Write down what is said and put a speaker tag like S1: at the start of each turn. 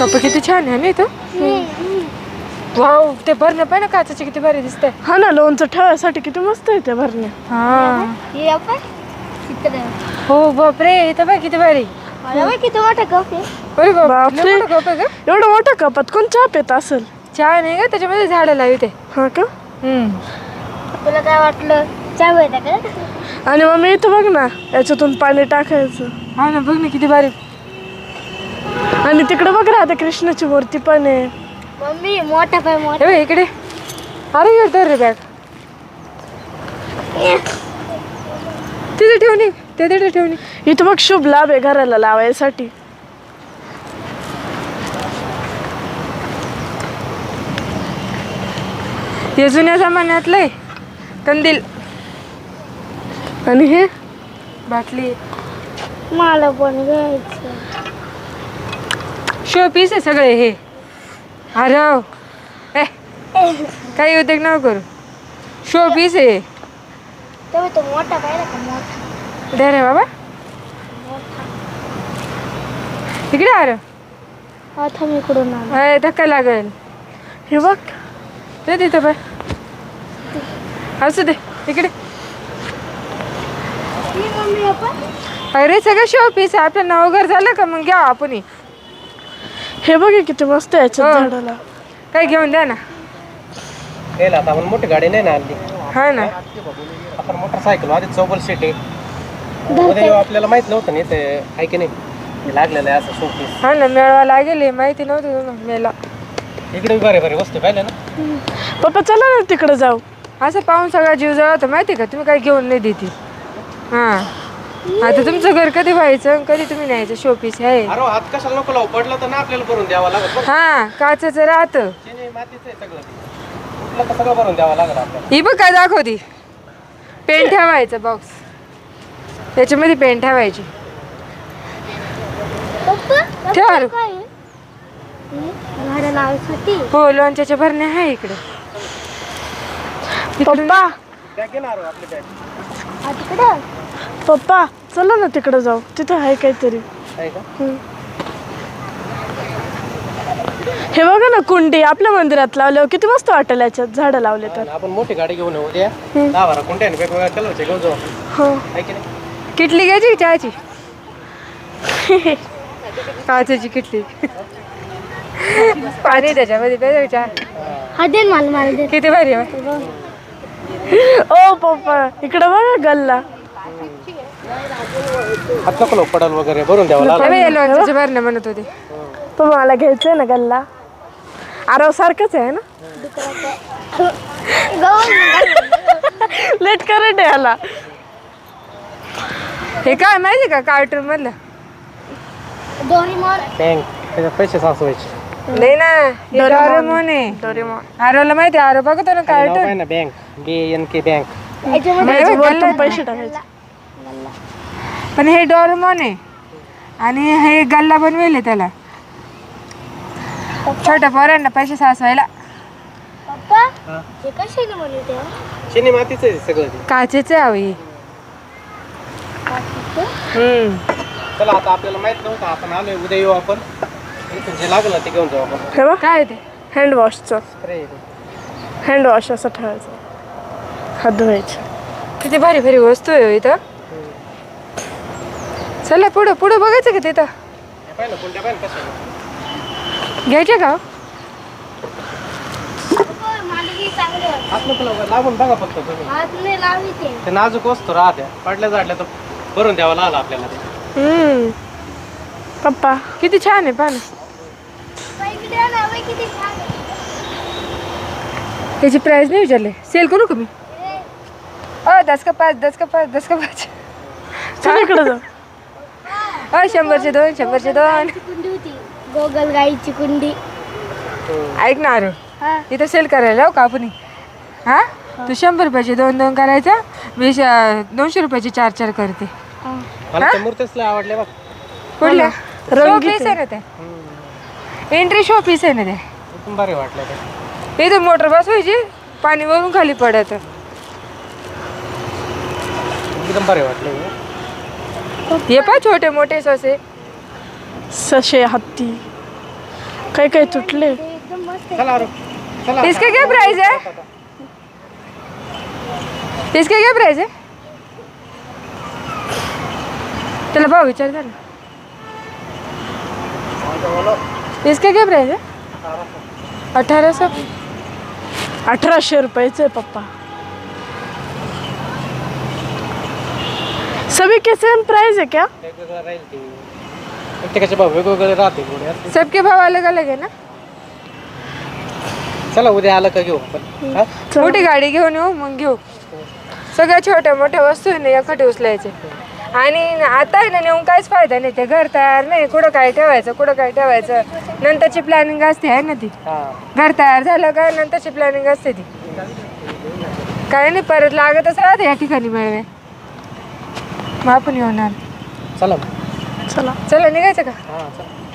S1: Cup किती छान आहे ना इथं. वाव, ते भरणं पण काचाचे किती भारी दिसतंय.
S2: हा ना, लोणचं ठेवायसाठी किती मस्त आहे ते भरणे.
S1: हा हो बापरे, इथं बघ किती भारी.
S3: किती मोठा कप आहे.
S1: अरे
S2: बापरे.
S1: बापरे, मोठं कप आहे का?
S2: एवढं मोठ्या कपात कोण चहा पित असेल.
S1: छान आहे का, त्याच्यामध्ये झाडं लावते.
S2: हा का?
S3: तुला काय वाटलं चहा भेटा का?
S2: आणि मम्मी इथं बघ ना, याच्यातून पाणी टाकायचं.
S1: हा ना, बघ ना किती भारी.
S2: आणि तिकडे बघ राधा कृष्णाची मूर्ती पण आहे.
S3: मम्मी मोठा पाय मोठा.
S1: हे बघ इकडे. अरे येतो रे बॅग तिथे ठेवणी, ते तिथे ठेवणी.
S2: इथं बघ शुभ लाभ आहे घराला लावायसाठी.
S1: हे जुन्या जमान्यातलंय कंदील.
S2: आणि हे
S1: बाटली
S3: मला पण घ्यायचं.
S1: शो पीस आहे सगळे हे. अरे काही उद्योग नको करू, शो पीस आहे.
S3: तेव्हा तो मोठा पाहिला का मोठा.
S1: दे रे बाबा इकडे. अरे
S3: आता मी इकडून आलो.
S1: अय, धक्का लागेल.
S2: हे बघ.
S1: ते तिथं बाय असू दे इकडे.
S3: मम्मी आपण
S1: अरे सगळं शो पीस आहे. आपलं नाव घर झालं का मग घ्या आपण.
S2: हे बघ हे किती मस्त आहे याच्यात झाडाला.
S1: काही घेऊन द्या ना.
S4: आता आपण मोठी गाडी नाही ना आणली.
S1: हा ना,
S4: आपण मोटरसायकल आधी चौबल सीट आहे. उद्या आपल्याला माहित नव्हतं नाही ते आहे की नाही, हे लागलेलं आहे असं शोपीस.
S1: हा ना, मेळवा लागेल माहिती नव्हतं तुला मेला.
S4: इकडे बरे बरे वस्तू पाहिले ना.
S2: पप्पा चला ना तिकडे जाऊ.
S1: असं पाहून सगळा जीव जळतो माहिती का. तुम्ही काही घेऊन नाही देते. हा, आता तुमचं घर कधी व्हायचं, कधी तुम्ही न्यायचं. शो पीस आहे.
S4: अरे हात कशाला नको लावू, पडलं तर ना आपल्याला भरून द्यावं लागत.
S1: हा, काचेचं राहतं.
S4: चिनी मातीचं आहे सगळं ते. कुठलं तर सगळं भरून द्यावं लागलं आपल्याला.
S1: ही बघ काय दाखवती. पेन ठेवायचं बॉक्स, त्याच्यामध्ये पेन ठेवायची. ठेवा रे.
S3: काय झाडं लावायसाठी.
S1: हो, लोणच्याच्या भरण्या आहे इकडे.
S2: पप्पा
S4: बॅग घेणार आपली बॅग
S3: तिकडं
S2: पप्पा चला ना तिकडे जाऊ. तिथे आहे काहीतरी.
S4: आहे का?
S2: हे बघा ना, कुंडी आपल्या मंदिरात लावल्यावर किती मस्त वाटेल याच्यात झाडं लावले तर.
S4: आपण मोठी गाडी घेऊन येऊ उद्या. 10-12 कुंट्याने वेगवेगळ्या कलरचे घेऊन जाऊ.
S2: हो.
S4: आहे की नाही?
S1: किटली घ्यायची चहाची. काचेची किटली. पाणी त्याच्यामध्ये प्यायचं चहा.
S3: हा दे ना मला दे.
S1: किती भारी आहे.
S2: ओ पप्पा इकडे बघा गल्ला.
S4: हात नको लावू, पडल वगैरे भरून द्यावं लागलं.
S1: लोणच्याच्या भरण्या म्हणत होते.
S2: पप्पा मला घ्यायचंय ना गल्ला. आरव सारखंच आहे ना. लेट करंट आहे याला.
S1: हे काय माहिती का, कार्टून मधलं.
S3: डोरेमॉन.
S4: बँक त्याच्यात पैसे साचवायचे.
S1: नाही ना, डोरेमॉन आहे.
S2: डोरेमॉन.
S1: आरवला माहिती, आरव बघतो ना कार्टून.
S4: ना बँक BNK बँक.
S3: याच्यामध्ये
S2: वरतून पैसे टाकायचे.
S1: पण हे डोरेमॉन आहे आणि हे गल्ला बनवेल त्याला छोट्या पोरांना पैसे साचवायला.
S3: पप्पा हे कशाने बनवते.
S4: चिनी मातीचं आहे सगळं ते.
S1: काचेच आहे हे.
S4: चला आता आपल्याला माहित नव्हतं, आपण आलोय. उद्या येऊ आपण. इथून जे लागलं ते घेऊन जाऊ आपण.
S2: हे बघ
S1: काय ते.
S2: हँडवॉशचं.
S4: स्प्रे.
S2: हँडवॉश असं ठेवायचं. हात धुवायचे.
S1: किती भारी भारी वस्तू आहे हो इथं. चला पुढं पुढं बघायचं का तिथं.
S4: पाहिलं कोणत्या पाहिलं कशा
S1: घ्यायचे का.
S4: हात नको लावू, लावून बघा फक्त तुम्ही.
S3: हात नाही लावायचे.
S4: ते नाजूक वस्तू राहत्या, पडल्या जाडल्या तर भरून द्यावं लागलं आपल्याला ते.
S2: पप्पा
S1: किती छान आहे पान.
S3: किती छान आहे.
S1: त्याची प्राइस नाही विचारले. सेल करू का मी. 10 का 5, 10 का 5, 10 का 5.
S2: चल इकडे जाऊ.
S1: 100चे 2, 100चे 2.
S3: कुंडी होती गोगल गाईची कुंडी.
S1: ऐक ना आरू,
S3: हा
S1: इथं सेल करायला हो का आपण. हा, तू 100 रुपयाचे 2 करायचा. 200 रुपयाचे 4 करते.
S4: मला त्या मूर्तीच लय आवडल्या बघ.
S1: कुठल्या. शो
S2: रंगीत
S1: पीस आहे ना ते. एंट्री शो पीस आहे ना ते.
S4: एकदम भारी वाटलं ते.
S1: इथं मोटर बसवायची, पाणी वरून खाली पडत.
S4: एकदम भारी वाटलं
S1: हे पा छोटे मोठे ससे.
S2: सशे हत्ती. काही काही तुटले.
S3: ते एकदम मस्त आहे.
S4: चला अरे चला.
S1: इसका क्या प्राइस है? इसका क्या प्राइस है? चला भाव विचार कर ना. इसका क्या प्राइस है? 1800.
S2: 1800 रुपयाचे पप्पा. सभी के सेम प्राइस है क्या?
S4: वेगवेगळं राहील ते. प्रत्येकाचे भाव वेगवेगळे राहते थोडे असते.
S1: सबके भाव अलग अलग है ना.
S4: चला उद्या आलं का घेऊ आपण. हा?
S1: मोठी गाडी घेऊन येऊ मग घेऊ. सगळ्या छोट्या मोठ्या वस्तू आहे ना एखादी उचलायचे. आणि आता आहे ना नेऊन काहीच फायदा नाही. ते घर तयार नाही. कुठं काय ठेवायचं कुठं काय ठेवायचं नंतरची प्लॅनिंग असते आहे ना ती.
S4: हा.
S1: घर तयार झालं का नंतरची प्लॅनिंग असते ती. काय नाही परत लागतच राहते या ठिकाणी मिळवे. मग आपण येणार.
S4: चला
S2: चला.
S1: चला निघायचं का?
S4: हा चला.